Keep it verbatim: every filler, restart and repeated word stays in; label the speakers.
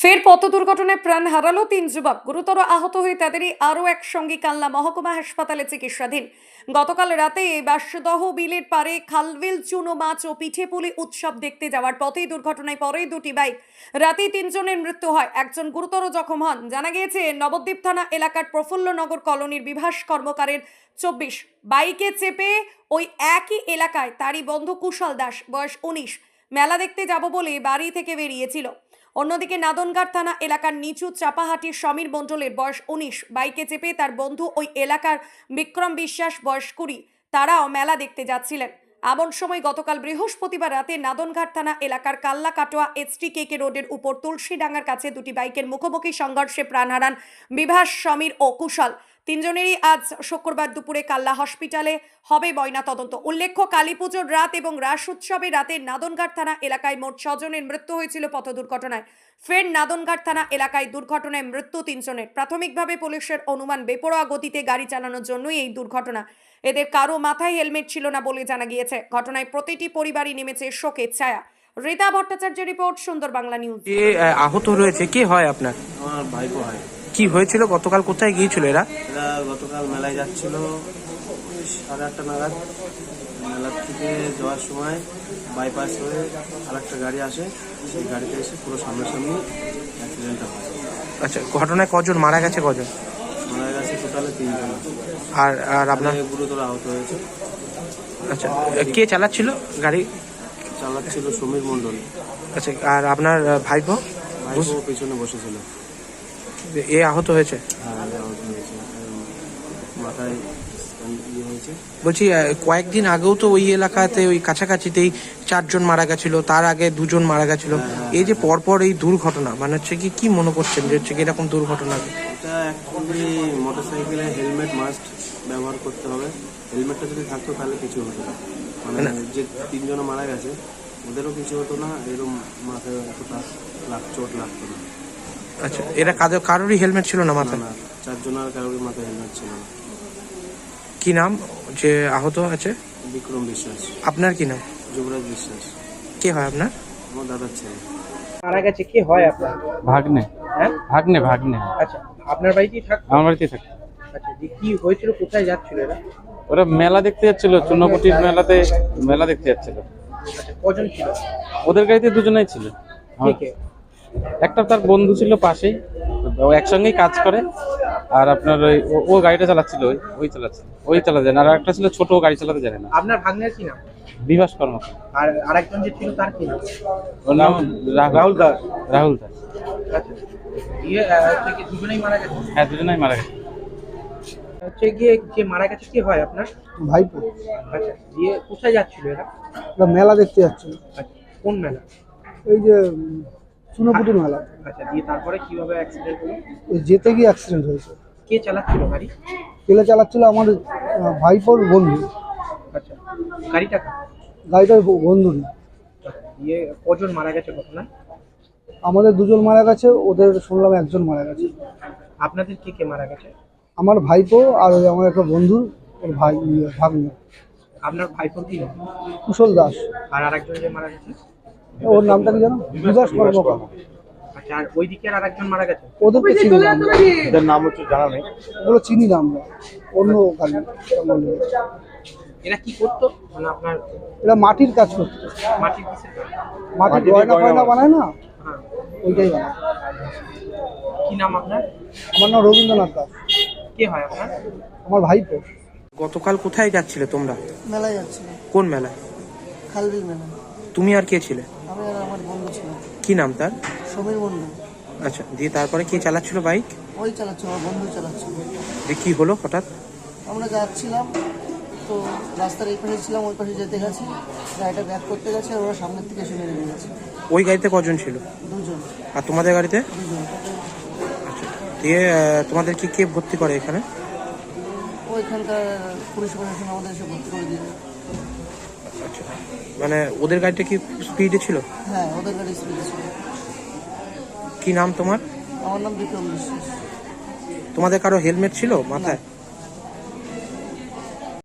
Speaker 1: ফের পথ দুর্ঘটনায় প্রাণ হারালো তিন যুবক। গুরুতর আহত হয়ে তাদেরই আরও এক সঙ্গী কালনা মহকুমা হাসপাতালে চিকিৎসাধীন। গতকাল রাতে বাঁশদহ বিলের পারে খালবিল চুনো মাছ ও পিঠে পুলি উৎসব দেখতে যাওয়ার পথেই দুর্ঘটনায় পড়ে দুটি বাইক। রাতেই তিনজনের মৃত্যু হয়, একজন গুরুতর জখম হন। জানা গিয়েছে নবদ্বীপ থানা এলাকার প্রফুল্লনগর কলোনির বিভাস কর্মকারের চব্বিশ বাইকে চেপে ওই একই এলাকায় তারই বন্ধু কুশল দাস বয়স উনিশ মেলা দেখতে যাব বলে বাড়ি থেকে বেরিয়েছিল। অন্যদিকে নাদনঘাট থানা এলাকার নিচু চাপাহাটির সমীর মণ্ডলের বয়স উনিশ বাইকে চেপে তার বন্ধু ওই এলাকার বিক্রম বিশ্বাস বয়স কুড়ি তারাও মেলা দেখতে যাচ্ছিলেন। এমন সময় গতকাল বৃহস্পতিবার রাতে নাদনঘাট থানা এলাকার কাল্লা কাটোয়া এসটি কেকে রোডের উপর তুলসীডাঙ্গার কাছে দুটি বাইকের মুখোমুখি সংঘর্ষে প্রাণ হারান বিভাস, সমীর ও কুশল। তিনজনেরই আজ শুক্রবার দুপুরে কাল্লা হসপিটালে হবে ময়না তদন্ত। উল্লেখ্য, কালী পুজোর রাত এবং রাস উৎসবের রাতে নাদনঘাট থানা এলাকায় মোট ছজনের মৃত্যু হয়েছিল পথ দুর্ঘটনায়। ফের নাদনঘাট থানা এলাকায় দুর্ঘটনায় মৃত্যু তিনজনের। প্রাথমিকভাবে পুলিশের অনুমান বেপরোয়া গতিতে গাড়ি চালানোর জন্যই এই দুর্ঘটনা। এদের কারো মাথায় হেলমেট ছিল না বলে জানা গিয়েছে। ঘটনায় প্রতিটি পরিবারই নেমেছে শোকের ছায়া। রীতা ভট্টাচার্যের রিপোর্ট, সুন্দর বাংলা নিউজ।
Speaker 2: যে আহত রয়েছে কে হয় আপনার?
Speaker 3: আমার ভাইপো হয়।
Speaker 2: কি হয়েছিল গতকাল, কোথায় গিয়েছিল এরা?
Speaker 3: এরা গতকাল মেলায় যাচ্ছিল ওই সাড়ে আটটা নাগাদ। মেলার থেকে যাওয়ার সময় বাইপাস হয়ে আর একটা গাড়ি আসে, সেই গাড়িতে এসে পুরো সামনাসামনি অ্যাক্সিডেন্টটা হয়।
Speaker 2: আচ্ছা, ঘটনায় কজন মারা গেছে, কজন
Speaker 3: মারা গেছে? টোটালে তিনজন।
Speaker 2: আর আর আপনার?
Speaker 3: গুরুতর আহত হয়েছে।
Speaker 2: আচ্ছা, কে চালাচ্ছিল গাড়ি?
Speaker 3: চালাচ্ছিল সমীর মণ্ডল।
Speaker 2: আচ্ছা, আর আপনার ভাইপো?
Speaker 3: ভাইপো পিছনে বসেছিল।
Speaker 2: এ আহত হয়েছে?
Speaker 3: হ্যাঁ, আহত হয়েছে, মাথায় ইয়ে হয়েছে।
Speaker 2: বলছি, কয়েকদিন আগেও তো ওই এলাকাতে ওই কাছাকাছিতেই চারজন মারা গেছিল, তার আগে দুজন মারা গেছিল। এই যে পরপর এই দুর্ঘটনা, মানে হচ্ছে কি কি মনে করছেন যে হচ্ছে কি এরকম দুর্ঘটনা?
Speaker 3: এটা অ্যাকচুয়ালি মোটর সাইকেলে হেলমেট মাস্ট ব্যবহার করতে হবে। হেলমেটটা যদি থাকতো তাহলে কিছু হতো না। মানে যে তিনজন মারা গেছে ওদেরও কিছু হতো না, এরকম মাথায় এতটা লাগ চোট লাগতো না।
Speaker 2: আচ্ছা, এরা কাদের কারোরই হেলমেট ছিল না মাথায়?
Speaker 3: না, চারজনের কারোরই মাথায় হেলমেট ছিল না।
Speaker 2: কি নাম যে আহত আছে?
Speaker 3: বিক্রম বিশ্বাস।
Speaker 2: আপনার কি নাম?
Speaker 3: যুবরাজ বিশ্বাস।
Speaker 2: কে হয় আপনার?
Speaker 3: আমার দাদার ছেলে।
Speaker 4: মারা গেছে কে হয় আপনার?
Speaker 5: ভাগ্নে।
Speaker 4: হ্যাঁ,
Speaker 5: ভাগ্নে ভাগ্নে
Speaker 4: আচ্ছা, আপনার বাড়িতেই থাক?
Speaker 5: আমার বাড়িতে থাকে।
Speaker 4: আচ্ছা, যে কি হয়েছিল, কোথায় যাচ্ছিল এরা?
Speaker 5: ওরা মেলা দেখতে যাচ্ছিল, চুন্নপটির মেলাতে মেলা দেখতে যাচ্ছিল।
Speaker 4: আচ্ছা, কজন ছিল?
Speaker 5: ওদের গাড়িতে দুজনেই ছিল।
Speaker 4: কে কে?
Speaker 5: একটা তার বন্ধু ছিল পাশেই, ও একসঙ্গেই কাজ করে। আর আপনার ওই ও- ও গাড়িটা চালাচ্ছিল, ওই ওই চালাচ্ছে, ওই চালাতে জানে। আর একটা ছিল ছোট, ও গাড়ি চালাতে জানে না।
Speaker 4: আপনার ভাগ্নের কি নাম?
Speaker 5: বিভাস কর্মকার।
Speaker 4: আর আরেকজন যে ছিল তার কি নাম?
Speaker 5: ওর নাম রাহুল
Speaker 4: রাহুল দাস।
Speaker 5: রাহুল দাস।
Speaker 4: আচ্ছা, ইয়ে আহ, হচ্ছে কি দুজনেই মারা গেছে?
Speaker 5: হ্যাঁ, দুজনেই মারা গেছে।
Speaker 4: হচ্ছে গিয়ে যে মারা গেছে কি হয় আপনার?
Speaker 6: ভাইপো।
Speaker 4: আচ্ছা, দিয়ে কোথায় যাচ্ছিল এরা?
Speaker 6: ওরা মেলা দেখতে যাচ্ছিল,
Speaker 4: আচ্ছা, কোন মেলা?
Speaker 6: এই যে চুনোপুটির মেলা।
Speaker 4: আচ্ছা, দিয়ে তারপরে কিভাবে অ্যাক্সিডেন্ট হলো?
Speaker 6: ওই যেতে গিয়ে অ্যাক্সিডেন্ট হয়েছে।
Speaker 4: কে চালাচ্ছিল গাড়ি?
Speaker 6: পেলে চালাচ্ছিল আমার আহ, ভাইপোর বন্ধু।
Speaker 4: আচ্ছা, গাড়িটা কার?
Speaker 6: গাড়িটার ব- বন্ধু না।
Speaker 4: আচ্ছা, দিয়ে কজন মারা গেছে ঘটনায়?
Speaker 6: আমাদের দুজন মারা গেছে, ওদের শুনলাম একজন মারা গেছে।
Speaker 4: আপনাদের কে কে মারা গেছে?
Speaker 6: আমার ভাইপো আর ওই আমার একটা বন্ধু, ওর ভাই ইয়ে, ভাগ্নে
Speaker 4: আপনার ভাইপোর কি নাম?
Speaker 6: কুশল দাস।
Speaker 4: আর আরেকজন যে মারা গেছে?
Speaker 6: ওর নামটা কি জানো? বিকাশ কর্মকার।
Speaker 4: আচ্ছা, আর ওইদিকে আর আরেকজন মারা গেছে?
Speaker 6: ওদেরকে চিনি না আমরা।
Speaker 3: এদের নাম হচ্ছে জানা নেই।
Speaker 6: ওগুলো চিনি না আমরা, অন্য গাড়ি।
Speaker 4: এরা কি করতো? মানে আপনার
Speaker 6: এরা মাটির কাজ করতো,
Speaker 4: মাটির কিসের কাজ?
Speaker 6: মাটির গয়না ফয়না বানায় না,
Speaker 4: হ্যাঁ,
Speaker 6: ওইটাই বানায়।
Speaker 4: কি নাম আপনার?
Speaker 6: আমার নাম রবীন্দ্রনাথ দাস।
Speaker 4: কে হয় আপনার?
Speaker 6: আমার ভাইপো।
Speaker 2: গতকাল কোথায় যাচ্ছিলে তোমরা?
Speaker 7: মেলায় যাচ্ছিল,
Speaker 2: কোন মেলা?
Speaker 7: খালবিল মেলা।
Speaker 2: তুমি আর কে ছিলে?
Speaker 7: আমি আর আমার বন্ধু ছিল,
Speaker 2: কি নাম তার?
Speaker 7: সমীর বন্ধু।
Speaker 2: আচ্ছা, দিয়ে তারপরে কে চালাচ্ছিল বাইক?
Speaker 7: ওই চালাচ্ছিল, আমার বন্ধু চালাচ্ছিল।
Speaker 2: দিয়ে কি হলো হঠাৎ?
Speaker 7: আমরা যাচ্ছিলাম তো রাস্তার এই পাশে ছিলাম, ওই পাশে যেতে গেছি, গাড়িটা ব্যাক করতে গেছে আর ওরা সামনের থেকে এসে মেরে দিয়ে গেছে।
Speaker 2: ওই গাড়িতে কজন ছিল?
Speaker 7: দুজন
Speaker 2: আর তোমাদের গাড়িতে?
Speaker 7: দুজন
Speaker 2: আচ্ছা, দিয়ে আহ, তোমাদের কি কে ভর্তি করে এখানে?
Speaker 7: ওইখানকার পুলিশ প্রশাসন আমাদের এসে ভর্তি করে দিয়ে।
Speaker 2: আচ্ছা, মানে ওদের গাড়িটা কি স্পিডে ছিল?
Speaker 7: হ্যাঁ, ওদের গাড়ি স্পিডে ছিল।
Speaker 2: কি নাম তোমার?
Speaker 7: আমার নাম বিক্রম বিশ্বাস।
Speaker 2: তোমাদের কারো হেলমেট ছিল মাথায়?